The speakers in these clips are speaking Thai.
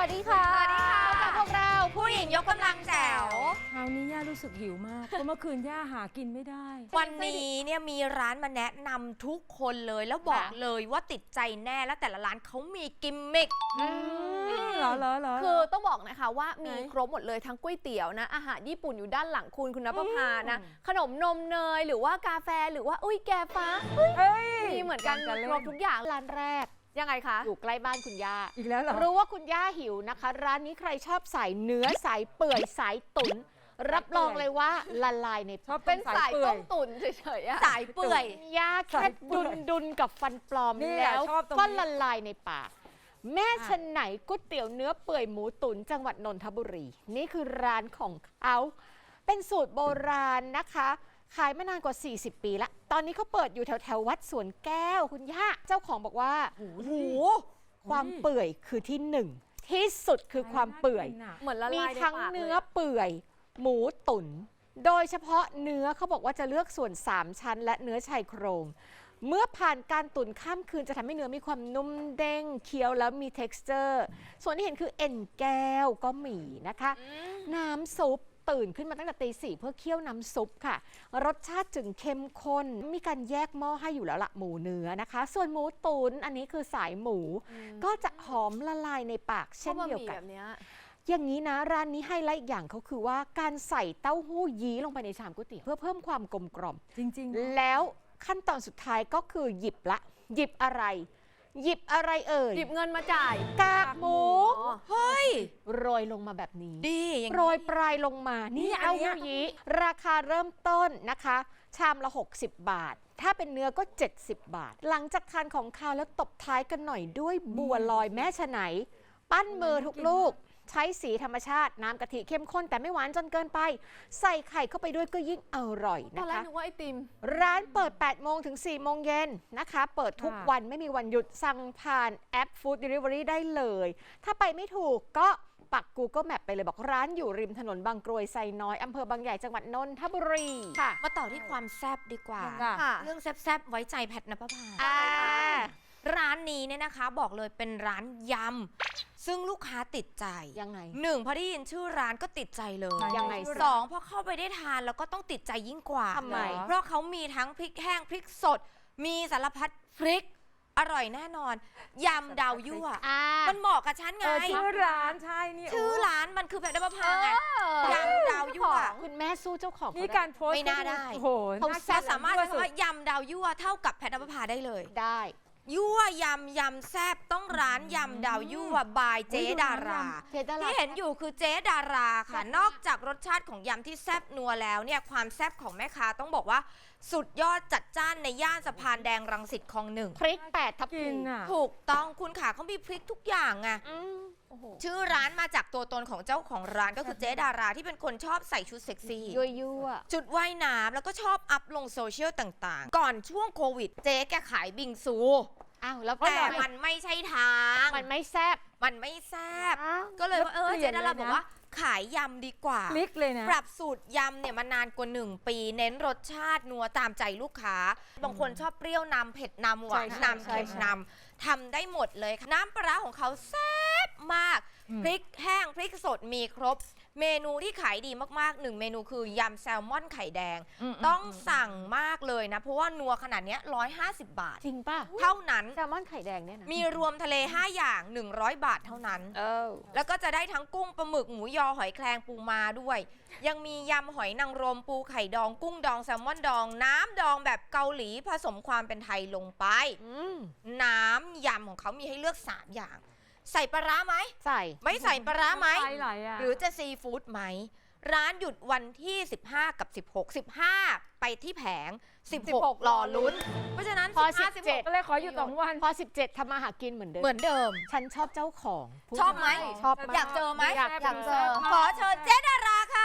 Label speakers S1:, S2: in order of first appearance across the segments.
S1: ดีค่ะ
S2: สวัสดีค่ะ
S1: กับพวกเรา
S2: ผู้หญิงยกกำลังแจ๋ว
S3: คราวนี้ย่ารู้สึกหิวมากเพราะเมื่อคืนย่าหากินไม่ได้
S2: วันนี้เนี่ยมีร้านมาแนะนำทุกคนเลยแล้วบอกเลยว่าติดใจแน่และแต่ละร้านเขามีกิมมิค
S3: เหรอ
S1: คือต้องบอกนะคะว่ามีครบหมดเลยทั้งก๋วยเตี๋ยวนะอาหารญี่ปุ่นอยู่ด้านหลังคุณณภพานะขนมนมเนยหรือว่ากาแฟหรือว่าแกฟ้ามีเหมือนกันครบทุกอย่างร้านแรกยังไงคะอยู่ใกล้บ้านคุณย่า
S3: อีกแล้วเหรอ
S1: รู้ว่าคุณย่าหิวนะคะ ร้านนี้ใครชอบสายเนื้อสายเปื่อยสายตุ๋นรับรองเลยว่าละลายใน
S3: ชอบ
S1: เป็นสาย
S3: ปื่
S1: ต้
S3: อ
S1: มตุ๋นเฉยๆอะ
S2: สายเปื่อย
S1: ย่าแค่ดุนกับฟันปลอม
S3: นี่
S1: แล้ว
S3: ชอบตรงนี้
S1: ก็ละลายในปาก แม่ชนไหนก๋วยเตี๋ยวเนื้อเปื่อยหมูตุ๋นจังหวัดนนทบุรี นี่คือร้านของเขาเป็นสูตรโบราณนะคะ ขายมานานกว่า 40 ปีละ ตอนนี้เขาเปิดอยู่แถววัดสวนแก้วคุณย่าเจ้าของบอกว่าความเปื่อยคือที่หนึ่งที่สุดคือความเปื่อย
S3: เหมือนละ
S1: มี
S3: ลายใน
S1: ทั้ง
S3: ปาก
S1: เนื้อเปื่อย หมูตุ๋นโดยเฉพาะเนื้อเขาบอกว่าจะเลือกส่วน 3 ชั้น และเนื้อชายโครง เมื่อผ่านการตุ๋นข้ามคืนจะทำให้เนื้อมีความนุ่มเด้งเคี้ยวแล้วมี texture ส่วนที่เห็นคือเอ็นแก้วก็มีนะคะ น้ำซุปตื่นขึ้นมาตั้งแต่ตี 4เพื่อเคี่ยวน้ำซุปค่ะ รสชาติจึงเข้มข้นมีการแยกหม้อให้อยู่แล้วละหมูเนื้อนะคะ ส่วนหมูตุ๋นอันนี้คือสายหมู ก็จะหอมละลายในปากเช่นเดียวกัน อย่างนี้นะร้านนี้ไฮไลท์อีกอย่างเขาคือว่าการใส่เต้าหู้ยี้ลงไปในชามก๋วยเตี๋ยวเพื่อเพิ่มความกลมกล่อม
S3: จริงๆ
S1: แล้วขั้นตอนสุดท้ายก็คือหยิบอะไร หยิบอะไรเอ่ย
S4: หยิบเงินมาจ่าย
S1: กากหมู
S2: เฮ้ย
S1: โรยลงมาแบบนี้
S2: ดีอย่าง
S1: โรยปลายลงมานี่
S3: อัน
S1: เต้า
S3: เนี้ย
S1: หู้ยี้ราคาเริ่มต้นนะคะ ชามละ 60 บาท ถ้าเป็นเนื้อก็ 70 บาท หลังจากทานของคาวแล้วตบท้ายกันหน่อยด้วยบัวลอยแม่ชะไหน ปั้นมือทุกลูก ใช้สีธรรมชาติ น้ำกะทิเข้มข้นแต่ไม่หวานจนเกินไป ใส่ไข่เข้าไปด้วยก็ยิ่งอร่อย
S4: ตอน
S1: นะ
S4: แรก
S1: คะ
S4: นึกว่าไอติม
S1: ร้านเปิด 8 โมงถึง 4 โมงเย็นนะคะ เปิดทุกวันไม่มีวันหยุดสั่งผ่านแอป Food Delivery ได้เลย ถ้าไปไม่ถูกก็ปัก Google Map ไปเลยบอกร้านอยู่ริมถนนบางกรวยไซน้อยอำเภอบางใหญ่จังหวัดนนทบุรีค่ะ
S2: มาต่อที่ความแซ่บดีกว่า
S1: ค่ะ
S2: เรื่องแซบๆไว้ใจแพทณปภา
S1: อ่า
S2: ร้านนี้เนี่ยนะคะบอกเลยเป็นร้านยำซึ่งลูกค้าติดใจ
S1: ยังไง
S2: หนึ่งพอได้ยินชื่อร้านก็ติดใจเลย
S1: ยังไง
S2: สองพอเข้าไปได้ทานแล้วก็ต้องติดใจยิ่งกว่า
S1: ทำไม
S2: เพราะเขามีทั้งพริกแห้งพริกสด มีสารพัดพริก อร่อยแน่นอนยำดาวยั่ว มันเหมาะกับฉันไง
S3: ชื่อร้านใช่นี่
S2: ชื่อร้านมันคือแพทณปภาไงยำดาวยั่ว
S1: คุณแม่สู้เจ้าของ
S3: นี่การโพสต์
S2: ไม่น่าได้
S3: โอ้โห
S1: เขา
S3: น่
S1: แซ่
S2: จะ
S1: บ
S2: สามารถใช้คำว่ายำดาวยั่วเท่ากับแพทณปภาได้เลย
S1: ได้
S2: ยั่วยำแซบต้องร้านยำดาวยั่วบายเจ๊ดารา
S1: เจดารา
S2: ที่เห็นอยู่คือเจ๊ดาราค่ะ นอกจากรสชาติของยำที่แซบนัวแล้วเนี่ยความแซบของแม่ค้าต้องบอกว่าสุดยอดจัดจ้านในย่านสะพานแดงรังสิตคลองหนึ่ง
S1: พริก8 ทับ
S3: กิ
S1: ทิ
S3: น
S1: ม
S3: อ่ะ
S2: ถูกต้องคุณขาเขามีพริกทุกอย่างไง
S1: โอ้โห
S2: ชื่อร้านมาจากตัวตนของเจ้าของร้านก็คือเจ๊ดาราที่เป็นคนชอบใส่ชุดเซ็กซี่
S1: ยั่ว
S2: จุดว่ายน้ำแล้วก็ชอบอัพลงโซเชียลต่างๆ ก่อนช่วงโควิด เจ๊แกขายบิงซู
S1: อ้าวแล้วก็
S2: แต่มันไม่ใช่ทาง
S1: มันไม่แซ่บ
S2: มันไม่แซบ
S1: อ้าว
S2: ก็เลยว่า
S3: แล้วเปลี่
S2: เจ๊
S3: ยน
S2: ดารา
S3: เลยนะ
S2: บอกว่าขายยำดีกว่า
S3: พลิกเลยนะ
S2: ปรับสูตรยำเนี่ยมานานกว่า 1 ปี เน้นรสชาตินัวตามใจลูกค้า บางคนชอบเปรี้ยวนำเผ็ดนำหวาน
S1: ใช่
S2: นำ
S1: ใช่
S2: เค็ม
S1: ใช่
S2: นำทำได้หมดเลยค่ะน้ำปลาร้าของเขาแซ่บมาก พริกแห้งพริกสดมีครบ เมนูที่ขายดีมากๆ1 เมนูคือยำแซลมอนไข่แดง ต้องสั่งมากเลยนะ เพราะว่านัวขนาดเนี้ย150 บาท
S1: จริงป่ะ
S2: เท่านั้น
S1: แซลมอนไข่แดงเนี่ยนะ
S2: มีรวมทะเล 5 อย่าง 100 บาทเท่านั้น แล้วก็จะได้ทั้งกุ้งปลาหมึกหมูยอหอยแครงปูมาด้วย ยังมียำหอยนางรมปูไข่ดองกุ้งดองแซลมอนดอง น้ำดองแบบเกาหลีผสมความเป็นไทยลงไป น้ำยำของเขามีให้เลือก 3 อย่าง ใส่ปลาร้าไหม
S1: ใส่
S2: ไม่ใส่ปลาร้าไหม
S3: ไปไหลอ่ะ
S2: หรือจะซีฟู้ดไหม ร้านหยุดวันที่ 15 กับ 16 15 ไปที่แผง 16 รอลุ้น เพราะฉะนั้น
S1: พอ
S2: 15 16
S3: ก็เลยขออยู่2 วัน
S1: พอ 17ทำมาหากินเหมือนเดิม
S2: เหมือนเดิม
S1: ฉันชอบเจ้าของพูด
S2: ชอบไหม
S1: ชอบ
S2: อยากเจอไหม
S1: อยากเจอ
S2: ขอเชิญเจ๊ดาราค่ะ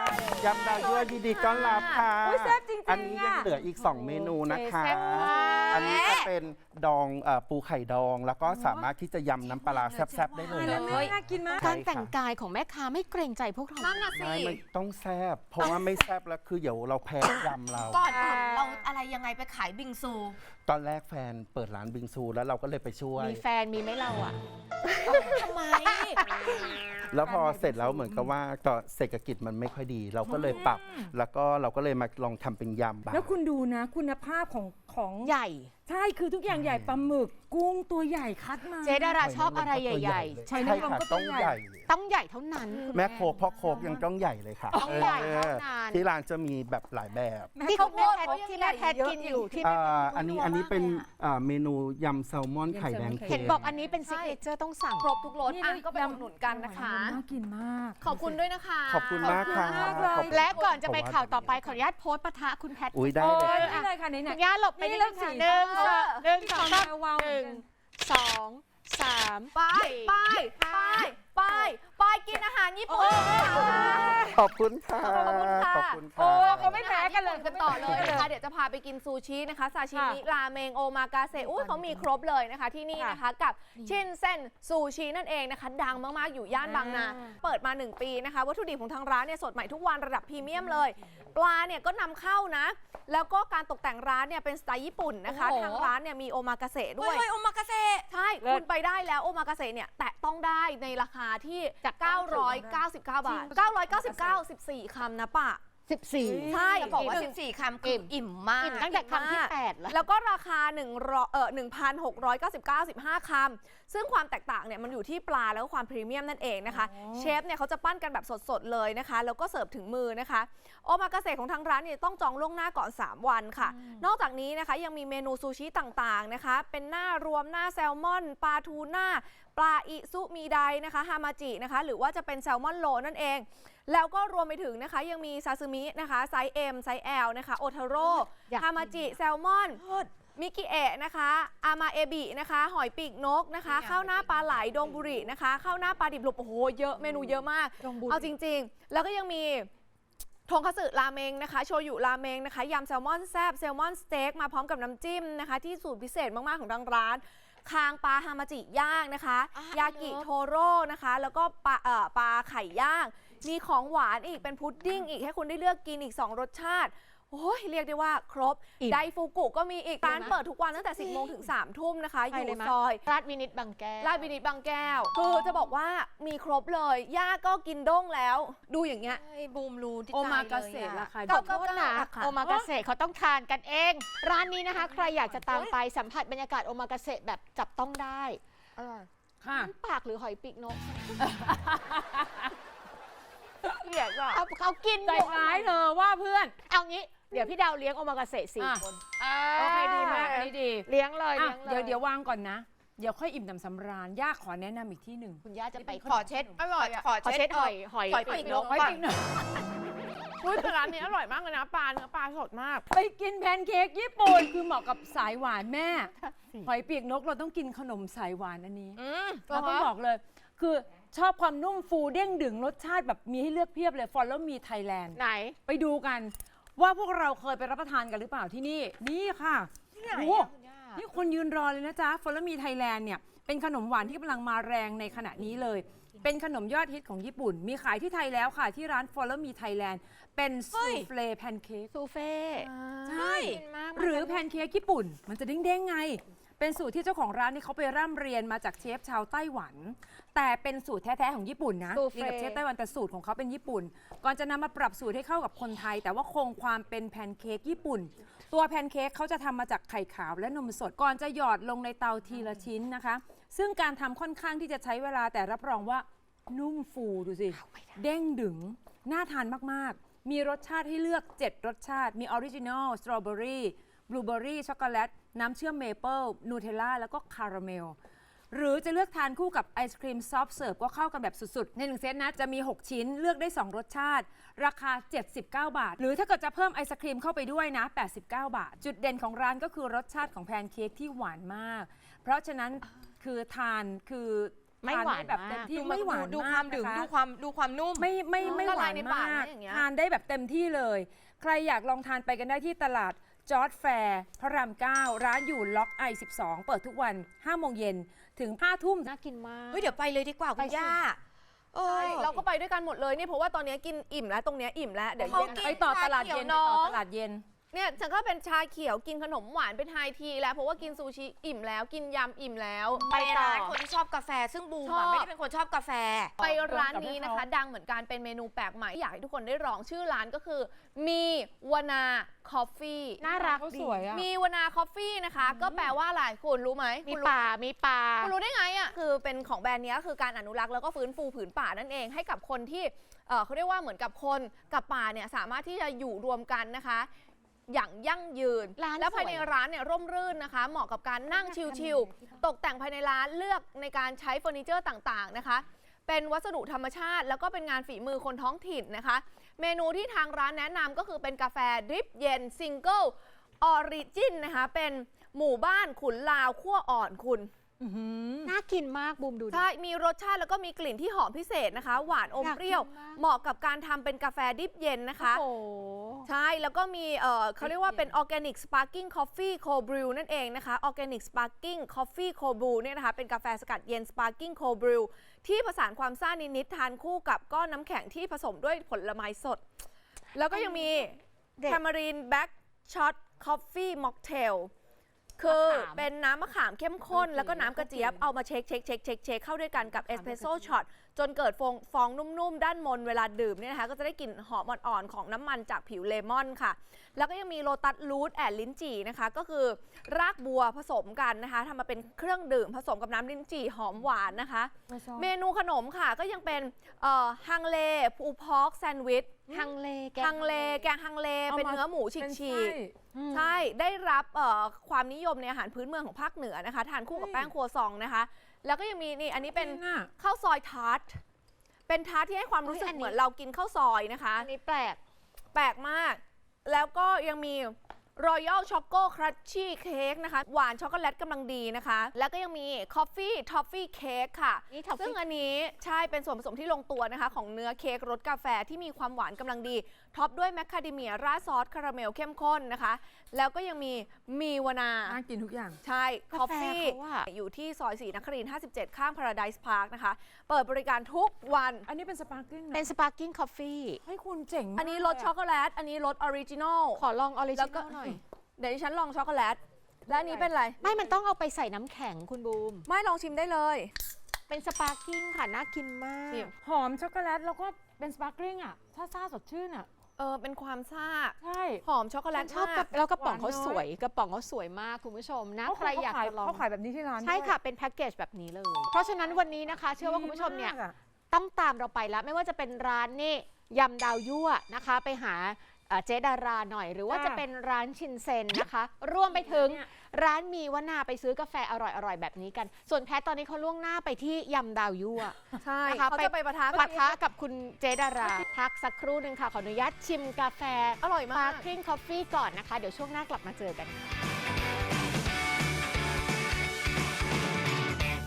S5: ยำดาวยั่วยินดีต้อนรับค่ะ
S3: อุ๊ยแซ่บจริงๆ
S5: อันนี้ยัง
S3: อะ
S5: เหลืออีก 2 เมนูนะคะ
S1: แซ่บมาก
S4: อันนี้จะเป็นดองปูไข่ดอง แล้วก็สามารถที่จะยำน้ำปลาร้าแซ่บๆได้เลย
S3: แล้ว
S4: นะ
S3: แม่น่ากินมาก
S1: การแต่งกายของแม่ค้าไม่เกรงใจพวกเรา
S2: นั่นน่ะสิ
S4: ไม่ต้องแซ่บเพราะว่าไม่แซ่บแล้วคือเดี๋ยวเราแพ้ยำเรา
S2: ก่อนอื่นเราอะไรยังไงไปขายบิงซู
S4: ตอนแรกแฟนเปิดร้านบิงซูแล้วเราก็เลยไปช่วย
S1: มีแฟนมีไหมเราอ่ะ
S2: ทำไม
S4: แล้วพอเสร็จแล้วเหมือนกับว่าต่อเศรษฐกิจมันไม่ค่อยดี เราก็เลยปรับ แล้วก็เราก็เลยมาลองทำเป็นยำ
S3: แล้วคุณดูนะคุณภาพของ
S1: ใหญ่
S3: ใช่คือทุกอย่างใหญ่ปลาหมึกกุ้งตัวใหญ่คัดมา
S1: เจดาราชอบอะไรใหญ่
S3: ใช่
S4: ใช่
S3: นางรม
S4: ค่ะ
S3: ก็ต้
S4: ต้
S3: อ
S4: อง ง
S3: ให
S4: ให
S3: ญ่
S4: ญ่
S1: ๆ ต้องใหญ่เท่านั้นคุณ
S4: แม่โคกพ่อโคกยังต้องใหญ่เลยค่ะ
S1: ต้องใหญ่เท่านั้น
S4: ที่ร้านจะมีแบบหลายแบบ
S1: ที่คุณแม่แพทที่แม่แพทกินอยู่ที่แม่แพท
S4: อันนี้เป็นเมนูยำแซลมอนไข่แดง
S1: เห็
S4: เค็
S1: น
S4: ม
S1: บอกอันนี้เป็นซิกเนเจอร์ต้องสั่ง
S5: ครบทุกรส
S3: นี่
S5: อ่ะ
S3: เลย
S5: ก็ไปอุดหนุนกันนะคะ
S3: น่ากินมาก
S5: ขอบคุณด้วยนะคะ
S4: ขอบคุณมากค่ะ
S3: ขอบคุณมากเลย
S4: ขอบคุณ
S1: และก่อนจะไปข่าวต่อไปขออนุญาตโพสต์ปะทะคุณแพท
S4: อุ้ยได้
S3: โอ้
S4: เลย
S3: ยนี่เลยค่ะไหน
S1: คุณย่าหลบไป
S3: นี่
S1: นิด
S3: เรื่
S1: นึ
S3: อง
S1: งค่ะ
S3: สี
S1: หนึ่ง
S3: ฟ้า
S1: หนึ่งสองสาม
S3: วาว
S1: หนึ่งสองสาม
S5: ไป
S1: สี่
S5: ไปไปไปไปกินอาหารญี่ปุ่นค่ะ
S4: ขอบคุณค่ะ
S5: ขอบคุณค่ะ
S4: ขอบคุณ
S3: โอ้
S4: ค่ะ
S3: เขาไม่แพ้กันเลย
S5: กันต่อเลยนะคะ เดี๋ยวจะพาไปกินซูชินะคะซาชิมิราเมงโอมากาเซอุ้ยเขามีครบเลยนะคะที่นี่นะคะกับชินเซ็นซูชินั่นเองนะคะ ดังมากๆอยู่ย่านบางนา เปิดมา 1 ปีนะคะ วัตถุดิบของทางร้านเนี่ยสดใหม่ทุกวันระดับพรีเมียมเลย ปลาเนี่ยก็นำเข้านะ แล้วก็การตกแต่งร้านเนี่ยเป็นสไตล์ญี่ปุ่นนะคะ
S2: โอ้โห
S5: ทางร้านเนี่ยมีโอมากาเซด้วย
S2: เฮ้ยโอมากาเซ
S5: ใช่ คุณไปได้แล้วโอมากาเสะเนี่ยแตะต้องได้ในราคาที่
S1: จาก
S5: 999 บาท 999 14 คำนะปะ
S1: 14
S5: ใช่
S2: จะบอกว่า 14 คำคืออิ่มมาก
S1: อิ่มตั้งแต่คำที่ 8 แล้ว
S5: แล้วก็ราคา1,699 15 คำ ซึ่งความแตกต่างเนี่ยมันอยู่ที่ปลาแล้วก็ความพรีเมียมนั่นเองนะคะ เชฟเนี่ยเขาจะปั้นกันแบบสดๆเลยนะคะ แล้วก็เสิร์ฟถึงมือนะคะ โอมากาเสะของทางร้านเนี่ยต้องจองล่วงหน้าก่อน 3 วันค่ะ นอกจากนี้นะคะยังมีเมนูซูชิต่างๆนะคะ เป็นหน้ารวมหน้าแซลมอน ปลาทูน่า ปลาอิซุมิไดนะคะ ฮามาจินะคะ หรือว่าจะเป็นแซลมอนโลนั่นเอง แล้วก็รวมไปถึงนะคะยังมีซาซิมินะคะไซส์ M ไซส์ L นะคะโอทาโร่
S1: อยากกิน
S5: ฮามาจิแซลมอนมิกิเอะนะคะอามาเอบินะคะหอยปีกนกนะคะข้าวหน้าปลาไหลดงบุรินะคะข้าวหน้าปลาดิบหลบโอ้โหเยอะเมนูเยอะมาก เอาจริงๆ แล้วก็ยังมีทงคัตสึราเมงนะคะโชยุราเมงนะคะยำแซลมอนแซบแซลมอนสเต็กมาพร้อมกับน้ำจิ้มนะคะที่สูตรพิเศษมากๆของทางร้านคางปลาฮามาจิย่างนะคะ ยากิโทโร่นะคะแล้วก็ปลาไข่ย่าง มีของหวานอีกเป็นพุดดิ้งอีกให้คุณได้เลือกกินอีก 2 รสชาติ โอ้ยเรียกได้ว่าครบ
S1: อิ่ม
S5: ไดฟูกุก็มีอีกร้านเปิดทุกวันตั้งแต่ 10 โมงถึง 3 ทุ่มนะคะ อ
S1: ไป
S5: ยู่
S1: เลยมั้ย
S5: ซอย
S1: ราชวินิตบางแก้ว
S5: ลาดวินิตบางแก้ว คือจะบอกว่ามีครบเลย ย่าก็กินด้งแล้ว ดูอย่างเงี้ย
S2: ไอ้บูมรู้ที่
S3: โอมากา
S2: ใจ
S3: เสะ
S2: เลย
S3: รา
S2: อะ
S3: คา
S1: ขอโทษนะ
S5: ค่ะ
S1: โอมากาเสะเขาต้องทานกันเอง ร้านนี้นะคะ ใครอยากจะตามไปสัมผัสบรรยากาศโอมากาเสะแบบจับต้องได้
S3: ค่ะ
S1: น้ำปากหรือหอยปีกนก
S5: เกลียดอ่ะ
S1: เขากิน
S3: ใจร้ายเธอว่าเพื่อน
S1: เอางี้ เดี๋ยวพี่ดาวเลี้ยงโอมากาเสะ
S3: อ่ะ
S1: 4 คน
S3: โอเคดีมากนี่ดี
S1: เลี้ยงเลย
S3: อ่ะ
S1: เลี้ยงเลย
S3: เดี๋ยววางก่อนนะ เดี๋ยวค่อยอิ่มหนำสำราญย่าขอแนะนำอีกที่หนึ่ง
S1: คุณย่าจะไป
S2: ขอเช็ด
S5: อร่อยอ่ะ
S1: ขอเช็ดหอย
S2: หอยปีกนก
S3: ไว้
S2: ก่อน
S3: ปีกหน่อย
S5: อุ้ยแต่ร้านนี้อร่อยมากเลยนะปลาเนื้อปลาสดมาก
S3: ไปกินแพนเค้กญี่ปุ่นคือเหมาะกับสายหวานแม่ หอยปีกนกเราต้องกินขนมสายหวานอันนี้ เราต้องบอกเลย คือชอบความนุ่มฟูเด้งดึงรสชาติแบบมีให้เลือกเพียบเลย Follow Me Thailand
S1: ไหน
S3: ไปดูกันว่าพวกเราเคยไปรับประทานกันหรือเปล่าที่นี่ นี่ค่ะโอ้นี่คนยืนรอเลยนะจ๊ะ Follow Me Thailand เนี่ยเป็นขนมหวานที่กำลังมาแรงในขณะนี้เลย เป็นขนมยอดฮิตของญี่ปุ่น มีขายที่ไทยแล้วค่ะ ที่ร้าน Follow Me Thailand เป็นซูเฟลแพนเค้ก
S1: ซูเฟ่
S3: ใช่
S1: กินมาก
S3: หรือแพนเค้กญี่ปุ่น มันจะเด้งๆไง เป็นสูตรที่เจ้าของร้านนี่เขาไปร่ำเรียนมาจากเชฟชาวไต้หวัน แต่เป็นสูตรแท้ๆของญี่ปุ่นนะ
S1: ซู
S3: เรียน
S1: เฟ่
S3: กับเชฟไต้หวันแต่สูตรของเขาเป็นญี่ปุ่น ก่อนจะนำมาปรับสูตรให้เข้ากับคนไทย แต่ว่าคงความเป็นแพนเค้กญี่ปุ่น ตัวแพนเค้กเขาจะทำมาจากไข่ขาวและนมสด ก่อนจะหยอดลงในเตาทีละชิ้นนะคะ ซึ่งการทำค่อนข้างที่จะใช้เวลาแต่รับรองว่านุ่มฟูดูสิ เด้งดึง น่าทานมากๆ มีรสชาติให้เลือก 7 รสชาติ มีออริจินอล สตรอเบอรี่ บลูเบอรี่ ช็อกโกแลต น้ำเชื่อมเมเปิล นูเทลล่า แล้วก็คาราเมล หรือจะเลือกทานคู่กับไอศครีมซอฟต์เสิร์ฟก็เข้ากันแบบสุดๆ ใน1เซตนะจะมี 6 ชิ้นเลือกได้ 2 รสชาติ ราคา 79 บาท หรือถ้าเกิดจะเพิ่มไอศครีมเข้าไปด้วยนะ 89 บาท จุดเด่นของร้านก็คือรสชาติของแพนเค้กที่หวานมาก เพราะฉะนั้นคือทานคือ
S1: ไม่หวาน
S3: ทได้แบบเต็มที่
S2: ดู
S3: ไม่หวาน
S2: ดูค
S3: มาว
S2: าก มดึง
S3: นะคะ
S2: ดูความนุ่ม
S3: ไม่ห
S5: ละ
S3: วา
S5: ลาย
S3: น
S5: ในปาก
S3: มาก
S5: นะอย่างเงี้ย
S3: ทานได้แบบเต็มที่เลย ใครอยากลองทานไปกันได้ที่ตลาดจอร์จแฟร์พระราม 9 ร้านอยู่ล็อก I12 เปิดทุกวัน 5 โมงเย็นถึง 5 ทุ่ม
S1: น่ากินมาก
S2: เฮ้ยเดี๋ยวไปเลยดีกว่าคุณย่าเออ
S5: ใช่เราก็ไปด้วยกันหมดเลยเนี่ยเพราะว่าตอนนี้กินอิ่มแล้วตรงเนี้ยอิ่มแล้วเดี๋ยว
S2: เขา
S5: เย็น
S2: กิน
S3: ไปต่อตลาดเย็น
S2: ชาเขียวน้อง
S3: ไปต่อตลาดเย็น
S5: เนี่ยฉันก็เป็นชาเขียวกินขนมหวานเป็นไฮทีแล้วเพราะว่ากินซูชิอิ่มแล้วกินยำอิ่มแล้ว
S2: ไปร้านคนที่ชอบกาแฟซึ่งบูม
S5: ชอ
S2: อะ
S5: บ
S2: ไม่ได้เป็นคนชอบกาแฟ
S5: ไปร้านนี้นะคะ ดังเหมือนกันเป็นเมนูแปลกใหม่อยากให้ทุกคนได้ลองชื่อร้านก็คือมีวนาคอฟฟี่
S1: น่ารัก
S3: เขา
S1: ดี
S3: สวยอะ
S5: มีวนาคอฟฟี่นะคะ ก็แปลว่าอะไรคุณรู้ไหม
S1: มี
S5: คุณรู้
S1: ป่ามีปลา
S5: คุณรู้ได้ไงอ่ะคือเป็นของแบรนด์เนี้ยคือการอนุรักษ์แล้วก็ฟื้นฟูผืนป่านั่นเองให้กับคนที่เขาเรียกว่าเหมือนกับคนกับป่าเนี่ยสามารถที่จะอยู่รวมกันนะคะ อย่างยั่งยืน
S1: ร้าน
S5: แล้วภายใน
S1: สวย
S5: ร้านเนี่ยร่มรื่นนะคะ เหมาะกับการนั่งชิลๆตกแต่งภายในร้านเลือกในการใช้เฟอร์นิเจอร์ต่างๆนะคะ เป็นวัสดุธรรมชาติ แล้วก็เป็นงานฝีมือคนท้องถิ่นนะคะ เมนูที่ทางร้านแนะนำก็คือเป็นกาแฟดริปเย็นซิงเกิลออริจินนะคะเป็นหมู่บ้านขุนลาวขั้วอ่อนคุณ
S1: น่ากินมากบูมดูดิ
S5: ใช่ มีรสชาติแล้วก็มีกลิ่นที่หอมพิเศษนะคะ หวานอม
S1: อยาก
S5: เปรี้ยว
S1: กินมาก
S5: เหมาะกับการทำเป็นกาแฟดิบเย็นนะคะ
S1: โอ้โห
S5: ใช่ แล้วก็มีเขาเรียกว่าเป็น Organic Sparkling Coffee Cold Brew นั่นเองนะคะ Organic Sparkling Coffee Cold Brew เนี่ยนะคะ เป็นกาแฟสกัดเย็น Sparkling Cold Brew ที่ผสานความซ่านิดๆทานคู่กับก้อนน้ำแข็งที่ผสมด้วยผลไม้สด แล้วก็ยังมี
S1: เด็ด
S5: Tamarind Black Shot Coffee Mocktail คือ
S1: มะขาม
S5: เป็นน้ำมะขามเข้มข้น
S1: โอเค
S5: แล้วก็น้ำกระเจี๊ยบ เอามาเช็คเข้าด้วยกันกับเอสเปรสโซ่ช็อตจนเกิดฟองนุ่มๆ ด้านบนเวลาดื่มเนี่ยนะคะ ก็จะได้กลิ่นหอมอ่อนๆ ของน้ำมันจากผิวเลมอนค่ะ แล้วก็ยังมีโลตัสรูทแอนลิ้นจี่นะคะ ก็คือรากบัวผสมกันนะคะทำมาเป็นเครื่องดื่มผสมกับน้ำลิ้นจี่หอมหวานนะคะ เมนูขนมค่ะก็ยังเป็นฮังเลพูพอกแซนด์วิช
S1: ฮังเลแก
S5: ฮังเลแกงฮังเลเป็นเนื้อหมูฉีกๆ ใช่
S1: ใช่
S5: ได้รับความนิยมในอาหารพื้นเมืองของภาคเหนือนะคะ ทานคู่กับแป้งครัวซองนะคะ แล้วก็ยังมีนี่ อันนี้เป็นข้าวซอยทาร์ต เป็นทาร์ตที่ให้ความรู้สึกเหมือนเรากินข้าวซอยนะคะ
S1: อันนี้แปลก
S5: แปลกมาก แล้วก็ยังมี Royal Choco Crunchy Cake นะคะ หวานช็อกโกแลตกำลังดีนะคะ แล้วก็ยังมี Coffee Toffee Cake ค่ะ
S1: นี่ toffee
S5: ซึ่งอันนี้ใช่เป็นส่วนผสมที่ลงตัวนะคะ ของเนื้อเค้กรสกาแฟที่มีความหวานกำลังดี ท็อปด้วยแมคคาเดเมียราดซอสคาราเมลเข้มข้นนะคะ แล้วก็ยังมีวนา
S3: น่ากินทุกอย่าง
S5: ใช่
S1: กา
S5: คอฟ
S1: แฟ
S5: ฟี่
S1: เขาอะ
S5: อยู่ที่ซอยศรีนครินทร์57 ข้าง Paradise Park นะคะ เปิดบริการทุกวัน
S3: อันนี้เป็นสปาร์กิ้ง
S1: เป็นสปาร์กิ้งคอฟฟี่
S3: ให้คุณเจ๋งมาก
S5: อันนี้รสช็อกโกแลต อันนี้รสออริจินอล
S1: ขอลองออริ
S5: แล้
S1: จิ
S5: วก็
S1: นอลหน่อย
S5: เดี๋ยวดิฉันลองช็อกโกแลต และอันนี้เป็นอะไร
S1: ไม่มันต้องเอาไปใส่น้ำแข็งคุณบูม
S5: ไม่ลองชิมได้เลย
S1: เป็นสปาร์กิ้งค่ะ น่ากินมาก
S5: ชิม
S3: หอมช็อกโกแลตแล้วก็เป็นสปาร์กิ้งอ่ะซ่าสดชื่นอ่ะ
S5: เป็นความซ่า
S3: ใช่
S5: หอมช็อกโกแลต
S1: ชอบ
S5: มาก
S1: แล้วกระป๋อง
S3: หวาน
S1: เขา
S3: น้อย
S1: สวย กระป๋องเขาสวยมากคุณผู้ชมนะ ใครอยากจะลอง
S3: เขาขายแบบนี้ที่ร้าน
S1: ใช่
S3: ด้วย
S1: ค่ะ เป็นแพ็กเกจแบบนี้เลย เพราะฉะนั้นวันนี้นะคะ เชื่อว่าคุณผู้ชมเนี่ย
S3: ดีากอะ
S1: ต้องตามเราไปแล้ว ไม่ว่าจะเป็นร้านนี่ยำดาวยั่วนะคะ ไปหาเจดาราหน่อย หรือว่า
S3: ค่ะ
S1: จะเป็นร้านชินเซ็นนะคะ รวมไปถึง
S3: เนี่ย
S1: ร้านมีวนาไปซื้อกาแฟอร่อยๆแบบนี้กัน ส่วนแพทตอนนี้เขาล่วงหน้าไปที่ยำดาวยั่ว
S5: ใช่
S1: นะคะ
S5: เขาจะไปปะทะ
S1: ปะทะกับคุณเจดาราพักสักครู่หนึ่งค่ะ ขออนุญาตชิมกาแฟ
S5: อร่อย
S1: สปาม
S5: าก
S1: ร์คลิ่งคอฟฟี่ก่อนนะคะ เดี๋ยวช่วงหน้ากลับมาเจอกันค่ะ